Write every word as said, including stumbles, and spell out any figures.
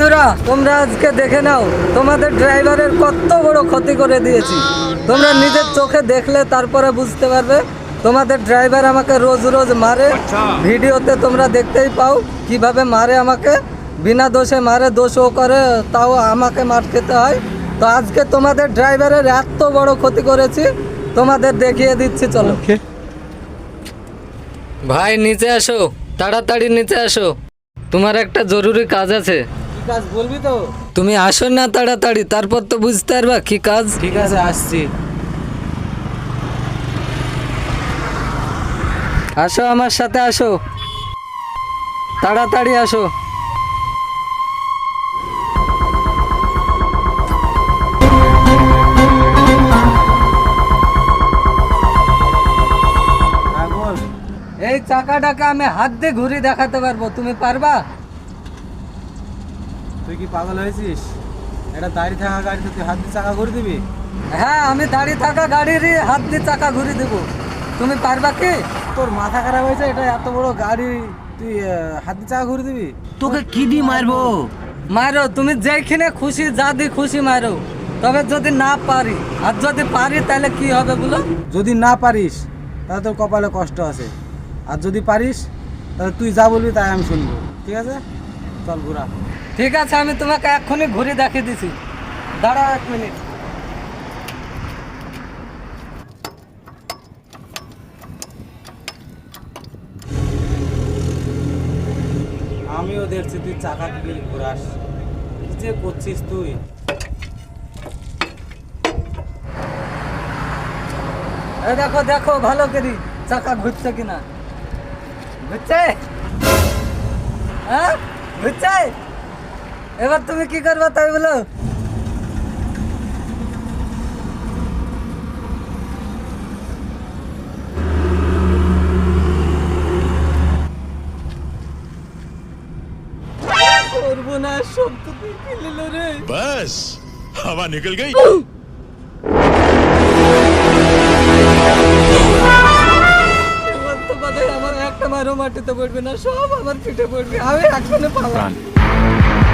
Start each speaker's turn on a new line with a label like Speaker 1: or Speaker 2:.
Speaker 1: বন্ধুরা তোমরা আজকে দেখে নাও তোমাদের ড্রাইভারের কত বড় ক্ষতি করে দিয়েছি। তোমরা নিজের চোখে দেখলে তারপরে বুঝতে পারবে। তোমাদের ড্রাইভার আমাকে রোজ রোজ মারে, ভিডিওতে তোমরা দেখতেই পাও কিভাবে মারে আমাকে, বিনা দোষে মারে, দোষও করে তাও আমাকে মার খেতে হয়। তো আজকে তোমাদের ড্রাইভারের এত বড় ক্ষতি করেছি, তোমাদের দেখিয়ে দিচ্ছি, চলো। ভাই নিচে আসো, তাড়াতাড়ি নিচে আসো, তোমার একটা জরুরি কাজ আছে।
Speaker 2: কি কাজ বলবি তো?
Speaker 1: তুমি আসো না তাড়াতাড়ি, তারপর তো বুঝতে পারবা কি কাজ।
Speaker 2: ঠিক আছে, আসছি।
Speaker 1: আসো আমার সাথে আসো, তাড়াতাড়ি আসো।
Speaker 2: হ্যাঁ বল।
Speaker 1: এই চাকাটাকে আমি হাত দিয়ে ঘুরি দেখাতে পারবো, তুমি পারবা?
Speaker 2: তুই কি পাগল হয়েছিস? এটা দাঁড়িয়ে থাকা গাড়িতে তুই হাত দিয়ে চাকা করে দিবি?
Speaker 1: হ্যাঁ, আমি দাঁড়িয়ে থাকা গাড়িরই হাত দিয়ে চাকা ঘুরি দেবো, তুমি পারবা কি?
Speaker 2: তোর মাথা খারাপ হয়েছে? এটা এত বড় গাড়ি তুই আহ, হাত দিয়ে চাকা ঘুরে দিবি?
Speaker 3: তোকে কি দিয়ে মারবো?
Speaker 1: মারো, তুমি যেখানে খুশি যা দিয়ে খুশি মারো, তবে যদি না পারি, আর যদি পারি তাহলে কি হবে বলো?
Speaker 2: যদি না পারিস তাহলে তোর কপালে কষ্ট আছে, আর যদি পারিস তাহলে তুই যা বলবি তাই আমি শুনবো। ঠিক আছে, চল ঘোরা।
Speaker 1: ঠিক আছে, আমি তোমাকে এক্ষুনি ঘুরে দেখিয়ে দিছি, দাঁড়াও এক মিনিট।
Speaker 2: আমিও দেখছি তুই চাকা দিয়ে ঘোরাস, কি যে করছিস তুই।
Speaker 1: এই দেখো দেখো ভালো করি চাকা ঘুরছে কিনা। ঘুরছে? হ্যাঁ ঘুরছে। এবার তুমি কি করবে তাই বলো? করবো না, সব তো তুই খেলিল রে।
Speaker 4: बस हवा निकल गई।
Speaker 1: এবার তো বাদে আমার একটা মারও মাটিতে পড়বে না, সব আমার পিঠে পড়বে, আমি এখনো পালাম।